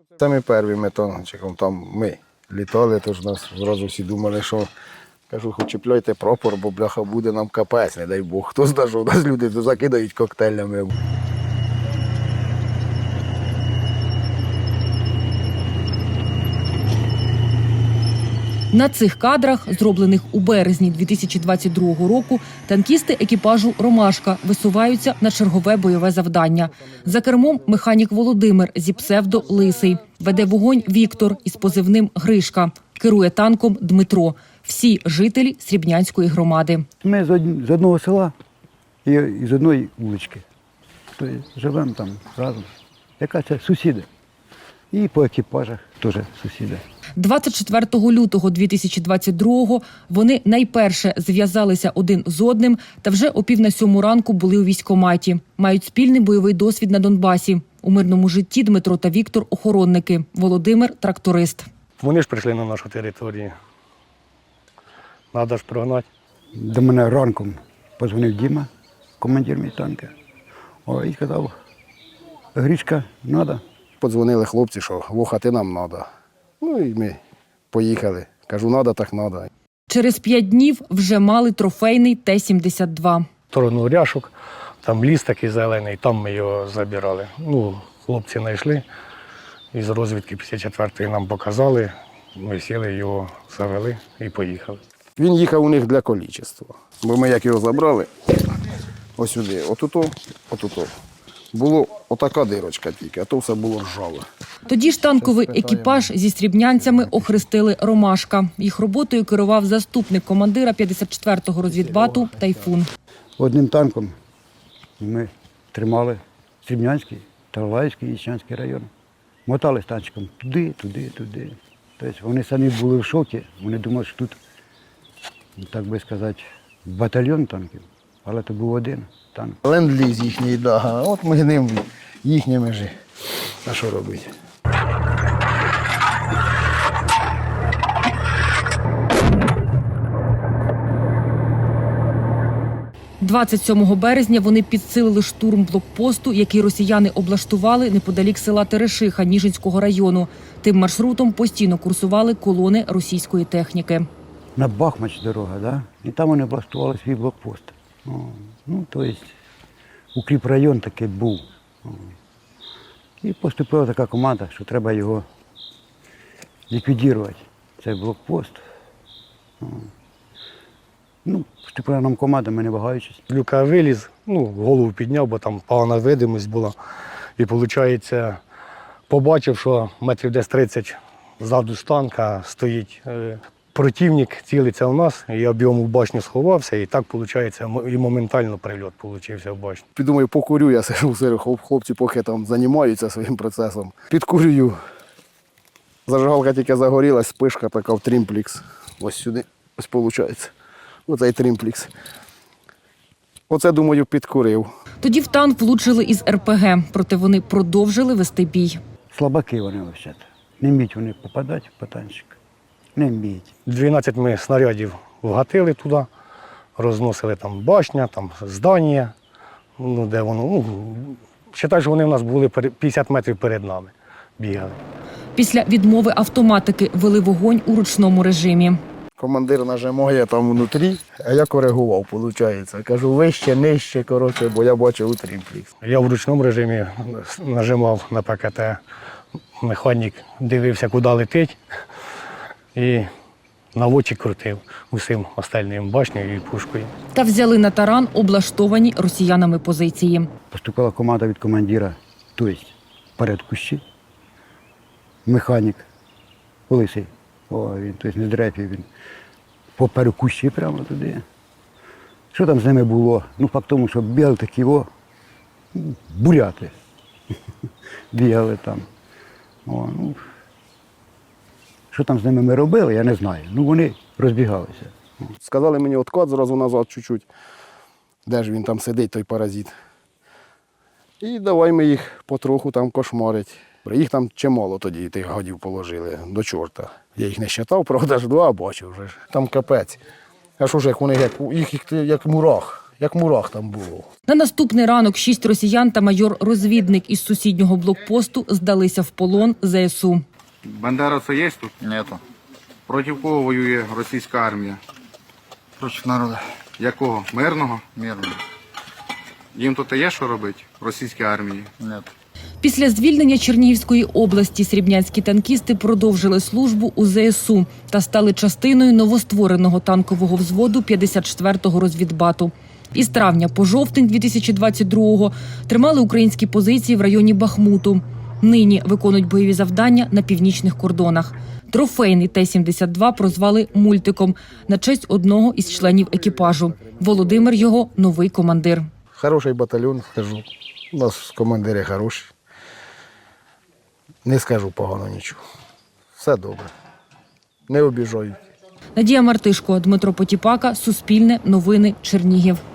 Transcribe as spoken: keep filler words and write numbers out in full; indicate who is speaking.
Speaker 1: Самі перші ми танчиком там ми літали, тож нас зразу всі думали, що кажу, хоч чіпляйте прапор, бо бляха буде нам капець, не дай Бог. Хто знає, що у нас люди закидають коктейлями.
Speaker 2: На цих кадрах, зроблених у березні дві тисячі двадцять другого року, танкісти екіпажу «Ромашка» висуваються на чергове бойове завдання. За кермом механік Володимир зі псевдо «Лисий». Веде вогонь Віктор із позивним «Гришка». Керує танком Дмитро. Всі жителі Срібнянської громади.
Speaker 3: Ми з одного села і з одної вулички. Тобто живемо там разом. Яка це сусіди. І по екіпажах теж сусіди.
Speaker 2: двадцять четвертого лютого дві тисячі двадцять другого вони найперше зв'язалися один з одним та вже о пів на сьому ранку були у військкоматі. Мають спільний бойовий досвід на Донбасі. У мирному житті Дмитро та Віктор – охоронники, Володимир – тракторист.
Speaker 4: Вони ж прийшли на нашу територію. Треба ж прогнати.
Speaker 3: До мене ранком позвонив Діма, командир мій танка. О, і сказав, Гришка, треба.
Speaker 1: Подзвонили хлопці, що вохати нам треба. Ну і ми поїхали. Кажу, треба, так треба.
Speaker 2: Через п'ять днів вже мали трофейний Т сімдесят два.
Speaker 4: В сторону Ряшок, там ліс такий зелений, там ми його забирали. Ну, хлопці знайшли, із розвідки п'ятдесят четвертої нам показали, ми сіли, його завели і поїхали.
Speaker 1: Він їхав у них для количества. Бо ми як його забрали, ось сюди, отуто, отуто. Було отака дирочка тільки, а то все було ржаве.
Speaker 2: Тоді ж танковий екіпаж зі срібнянцями охрестили «Ромашка». Їх роботою керував заступник командира п'ятдесят четвертого розвідбату «Тайфун».
Speaker 3: Одним танком ми тримали Срібнянський, Тарлаївський, Іщанський район. Мотали з танчиком туди, туди, туди. Тобто вони самі були в шокі, вони думали, що тут, так би сказати, батальйон танків, але це був один танк.
Speaker 1: Ленд-ліз їхній, да. От ми ним їхніми ж. А що робити?
Speaker 2: двадцять сьомого березня вони підсилили штурм блокпосту, який росіяни облаштували неподалік села Терешиха Ніжинського району. Тим маршрутом постійно курсували колони російської техніки.
Speaker 3: На Бахмач дорога, да? І там вони облаштували свій блокпост. О, ну, тобто, укріпрайон такий був. О. І поступила така команда, що треба його ліквідувати, цей блокпост. О. Ну, поступила нам команда, ми не вагаючись.
Speaker 4: Люка виліз, ну, голову підняв, бо там погана видимість була. І, виходить, побачив, що метрів десь тридцять ззаду з танка стоїть е, противник, цілиться в нас, я об'єму в башню сховався, і так, виходить, і моментально прильот получився в башню.
Speaker 1: Підумаю, покурю, я сижу серед хлопці, поки там займаються своїм процесом. Підкурюю. Зажигалка тільки загорілась, спишка така в трімплікс. Ось сюди, ось виходить. Оцей трімплікс. Оце, думаю, підкурив.
Speaker 2: Тоді в танк влучили із ер пе ге, проте вони продовжили вести бій.
Speaker 3: Слабаки вони взагалі. Не вміють вони попадати по танчик. Не вміють.
Speaker 4: дванадцять ми снарядів вгатили туди, розносили там башня, там здання, ну, де воно, ну, вважаю, що вони в нас були п'ятдесят метрів перед нами, бігали.
Speaker 2: Після відмови автоматики вели вогонь у ручному режимі.
Speaker 1: Командир нажимає там внутрі, а я коригував, виходить. Кажу, вище, нижче, коротше, бо я бачив у трімплікс.
Speaker 4: Я в ручному режимі нажимав на пе ке те, механік дивився, куди летить, і наводчик крутив усім остальним башнею і пушкою.
Speaker 2: Та взяли на таран облаштовані росіянами позиції.
Speaker 3: Поступила команда від командира, тобто перед кущі, механік, Лисий, о, він, тобто не дрепів, він поперед кущі прямо туди. Що там з ними було? Ну, факт тому, що бігали такі, о, буряти, бігали там. О, ну, що там з ними ми робили, я не знаю. Ну, вони розбігалися.
Speaker 1: Сказали мені откат зразу назад чуть-чуть. Де ж він там сидить, той паразит. І давай ми їх потроху там кошмарить. Їх там чимало тоді тих гадів положили, до чорта. Я їх не вважав, правда ж два бачив вже. Там капець. А що ж, як вони, як, їх як, як мурах. як мурах там було.
Speaker 2: На наступний ранок шість росіян та майор-розвідник із сусіднього блокпосту здалися в полон зе ес у.
Speaker 5: Бандера це є тут?
Speaker 6: Нету.
Speaker 5: Проти кого воює російська армія?
Speaker 6: Против народа.
Speaker 5: Якого? Мирного?
Speaker 6: Мирно.
Speaker 5: Їм тут є що робити? Російській армії?
Speaker 6: Нет.
Speaker 2: Після звільнення Чернігівської області срібнянські танкісти продовжили службу у зе ес у та стали частиною новоствореного танкового взводу п'ятдесят четвертого розвідбату. Із травня по жовтень дві тисячі двадцять другого тримали українські позиції в районі Бахмуту. Нині виконують бойові завдання на північних кордонах. Трофейний Т сімдесят два прозвали «Мультиком» на честь одного із членів екіпажу. Володимир його новий командир.
Speaker 1: Хороший батальйон, скажу. У нас командири хороші. Не скажу погано нічого. Все добре. Не обіжають.
Speaker 2: Надія Мартишко, Дмитро Потіпака, Суспільне, Новини, Чернігів.